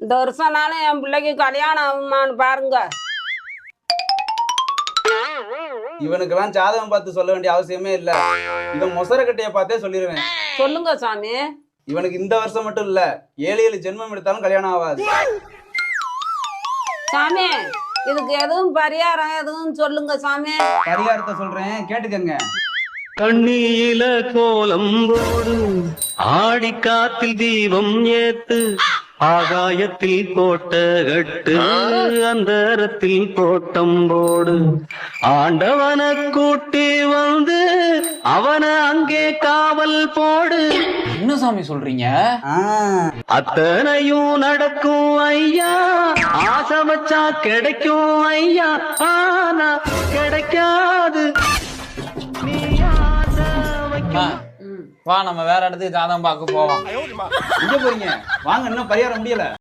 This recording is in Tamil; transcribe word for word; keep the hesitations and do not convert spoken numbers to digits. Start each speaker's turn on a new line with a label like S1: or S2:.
S1: இந்த வருஷம்னாலும் என் பிள்ளைக்கு கல்யாணம் ஆகுமான்னு பாருங்க.
S2: இவனுக்கெல்லாம் ஜாதகம் பார்த்து சொல்ல வேண்டிய அவசியமே இல்ல. இவன் மொசரக்கட்டைய பார்த்தே சொல்லிடுவேன்.
S1: சொல்லுங்க சாமி.
S2: இவனுக்கு இந்த வருஷம் மட்டும் இல்ல, ஏழு ஏழு ஜென்மம் எடுத்தாலும் கல்யாணம் ஆகாது.
S1: சாமி இதுக்கு எதுவும் பரிகாரம் எதுவும் சொல்லுங்க சாமி.
S2: பரிகாரத்தை சொல்றேன், கேட்டுக்கங்க.
S3: கண்ணியில கோலம் போடு, ஆடி காத்தில் தீபம் ஏத்து, ஆகாயத்தில் கோட்ட கட்டு, அந்தரத்தில் கோட்டம் போடு, ஆண்டவன கூட்டி வந்து அவன அங்கே காவல் போடு.
S4: என்ன சாமி சொல்றீங்க?
S3: அத்தனையும் நடக்கும் ஐயா, ஆசை வச்சா கிடைக்கும் ஐயா, ஆனா கிடைக்காது.
S4: வா நம்ம வேற இடத்துக்கு ஜாதகம் பார்க்க போவோம்.
S2: எங்க போறீங்க? வாங்க, இன்னும் பரிகாரம் முடியல.